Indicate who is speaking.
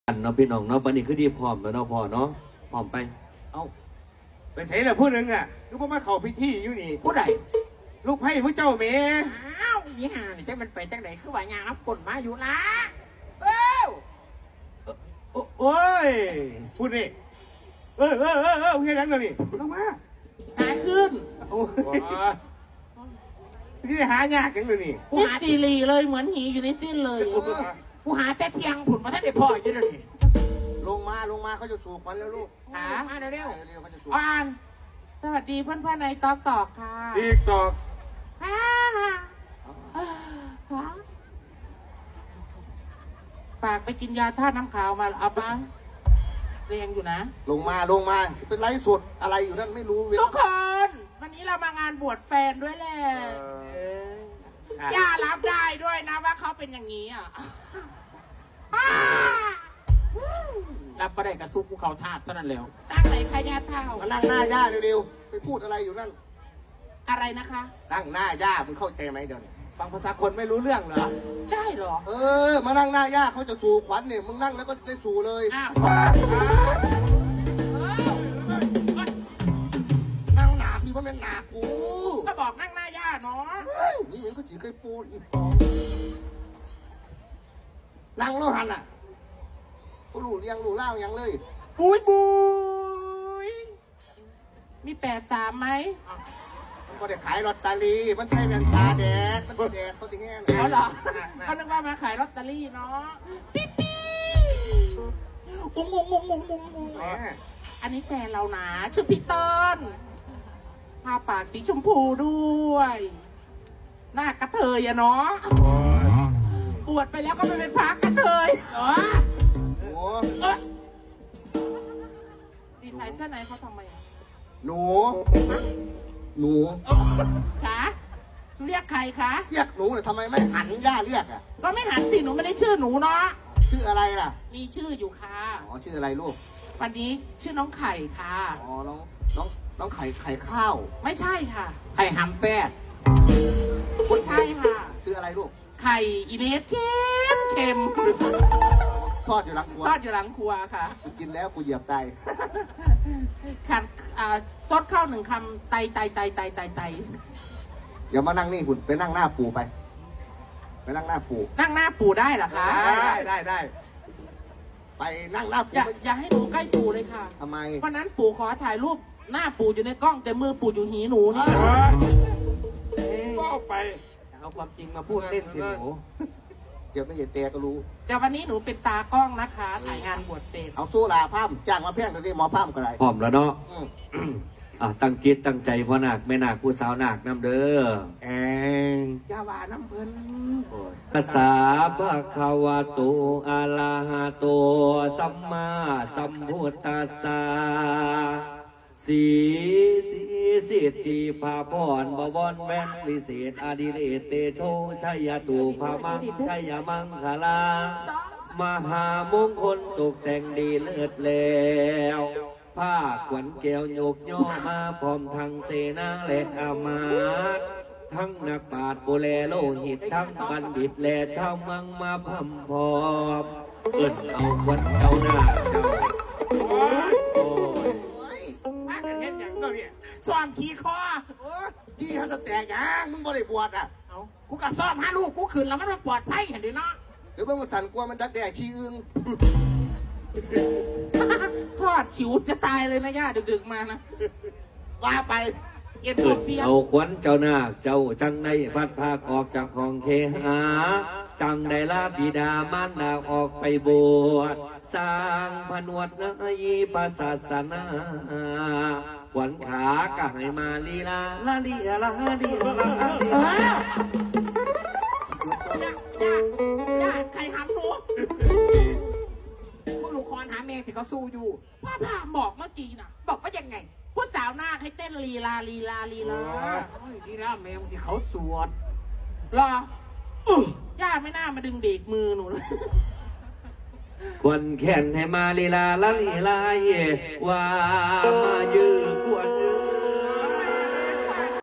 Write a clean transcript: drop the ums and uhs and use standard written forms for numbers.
Speaker 1: อันเนาะพี่น้องเนาะวันนี้คือดีพร้อมแล้วเนาะพ่อเนาะพร้อมไป
Speaker 2: เอาไปเสียแล้วผู้หนึ่งอ่ะลูกพ่อมาเข้าพิธีอยู่นี่
Speaker 3: ผู้ใด
Speaker 2: ลูกไพ่ผู้เจ้าเมย์
Speaker 3: อ้าวยี่ห่านี่จังมันไปจังไหนคือว่ายางรับกดมาอยู่ละเอ้า
Speaker 2: โอ้ยพูดนี่เฮ้ยเฮียยังเลยนี่ลงมา
Speaker 3: หายขึ้น
Speaker 2: โอ้ยที่หายากยังเลยนี่
Speaker 3: กูหาตีลีเลยเหมือนหีอยู่ในสิ้นเลยกูหาแต่เทียงผุนมาท่านได้พ่ออยู่เลยนี่
Speaker 4: ลงมาเขาจะสู่ขวัญแล้วลูก
Speaker 3: มาเร็ว
Speaker 4: เขาจะสู่
Speaker 3: อ่านสวัสดีเพื่อนๆในตอกค่ะ
Speaker 2: อีกตอก
Speaker 3: ปากไปกินยาธาตุน้ำขาวมาเอาบ้างเรียงอยู่นะ
Speaker 4: ลงมาเป็นไลฟ์สดอะไรอยู่นั่นไม่รู้
Speaker 3: ทุกคนวันนี้เรามางานบวชแฟนด้วยแหละย่ารับได้ด้วยนะว่าเขาเป็นอย่างนี้อ่ะรับประเด็กระซุกกูเขาทาดเท่านั้นแล้วตั้งไหนขยะเท่า
Speaker 4: มานั่งหน้าย่าเร็วๆไปพูดอะไรอยู่นั่น
Speaker 3: อะไรนะคะ
Speaker 4: นั่งหน้าย่ามึงเข้าใจไหมเดี๋ยวนี้
Speaker 2: ฟังภาษาคนไม่รู้เรื่องเหรอ
Speaker 3: ได้เหรอ
Speaker 4: มานั่งหน้าย่าเขาจะสู่ขวัญเนี่ยมึงนั่งแล้วก็ได้สู่เลยนั่งหนาพี่ว่าเป็นหนากู
Speaker 3: ก็บอกนั่งหน้าย่าเนาะ
Speaker 4: นี่มันก็จีเคยปูอีกนั่งแล้วหันอ่ะก็รู้เล่ายังเลย
Speaker 3: บุยมี83ไหม
Speaker 4: มันก็ได้ขายลอตเตอรี่มันใช่แว่นตาแดดมันก็แดดเขาสิแง่
Speaker 3: เขาเหรอเขานึกว่ามาขายลอตเตอรี่เนาะปิ๊อุ้งอันนี้แฟนเรานะชื่อพี่ต้นทาปากสีชมพูด้วยหน้ากระเทยอะเนาะปวดไปแล้วก็ไม่เป็นพักกระเทยดีไซน์เสื้อไหนเขาทำไม
Speaker 4: หนู
Speaker 3: ขาเรียกใครคะ
Speaker 4: เรียกหนูเลยทำไมไม่หันย่าเรียกอ่ะ
Speaker 3: ก็ไม่หันสิหนูไม่ได้ชื่อหนูเนาะ
Speaker 4: ชื่ออะไรล่ะ
Speaker 3: มีชื่ออยู่ค่ะ
Speaker 4: ชื่ออะไรลูก
Speaker 3: วันนี้ชื่อน้องไข่ค่ะ
Speaker 4: น้องไข่ข้าว
Speaker 3: ไม่ใช่ค่ะ
Speaker 2: ไข่หำแปด
Speaker 3: ไม่ใช่ค่ะ
Speaker 4: ชื่ออะไรลูก
Speaker 3: ไข่อีเนสเค็ม
Speaker 4: ทอดอยู่หลังค
Speaker 3: รัวค่ะ
Speaker 4: กินแล้วกูเหยียบไต
Speaker 3: ขัดซดข้าว1 คำไต
Speaker 4: อย่ามานั่งนี่หุ่นไปนั่งหน้าปูไปนั่งหน้าปู
Speaker 3: ได้เหรอคะ
Speaker 2: ได้
Speaker 4: ไปนั่งหน้าปู
Speaker 3: อย่าให้หนูใกล้ปูเลยค่ะ
Speaker 4: ทำไม
Speaker 3: วันนั้นปู่ขอถ่ายรูปหน้าปู่อยู่ในกล้องแต่มือปู่อยู่หีหนูนี่
Speaker 2: ก็ไปเอาความจริงมาพูดเล่นสิหนู
Speaker 4: เดี๋ยวไม่เห็นเตะก็รู้
Speaker 3: แต่วันนี้หนูเป็นตากล้องนะคะถ่ายงานบวชเสร็จ
Speaker 4: เอาสู้ลาพามจ้างมาเพียงแต่ที่หมอพามก็ได้
Speaker 1: พร้อมแล้วเนาะตั้งจิตตั้งใจพ่อนาคแม่นาคผู้สาวนาคน้ำเด้
Speaker 4: อยาวาน้ำเพิ่น
Speaker 1: ภาษาภะคะวะโตอะระหะโตสัมมาสัมพุทธัสสะสีสิทธิภาพรบวรแว่นวิเศษอดิเรกเตโชชัยตุภามังชัยมังคลามหามงคลตกแต่งดีเลิศแล้วผ้าขวัญแก้วโยกย่อมาพร้อมทั้งเสนาและอามาตย์ทั้งนักปราชญ์โบแลโลหิตทั้งบัณฑิตและชาวเมืองมาพัมพร้อมเอิ้นเอาขวัญเจ้าหน้าเจ้า
Speaker 2: มากันเห็นอย่างเราเนี่ย
Speaker 3: ซ้อมขี่คอ
Speaker 4: ที่เขาจะแตกยังมึงบ่ได้บวชอ่ะ
Speaker 3: เอากูก็ซ้อมหาลูกกูขืนแล้วมันปลอดภัยเห็นดิเนาะ
Speaker 4: เดี๋ยวเพิ่งมาสั่นกลัวมันดักแด่ขี้อึ้ง
Speaker 3: ทอดฉิวจะตายเลยนะย่าดึกๆมานะว่าไป
Speaker 1: เอ็นเอาขวัญเจ้านาคเจ้าจังได้พัดภาคออกจากของเคหาจังได้ลาบิดามารดาออกไปบวชสร้างผนวดในพระศาสนาขวัญขากะให้มาลีลาลาลีลาลีลา
Speaker 3: ใครหำหนูพวกลูกคอนหาแม่ที่เขาสู้อยู่พ่อพาบอกเมื่อกี้นะบอกว่ายังไงผู้สาวหน้าให้เต้นลีลาดีนะแม่ที่เขาสวดรอย่าไม่น่ามาดึงเบรกมือหนูเลย
Speaker 1: ควรแขนให้มาลีลาลาลีลาเย่ว่ามายื้อควร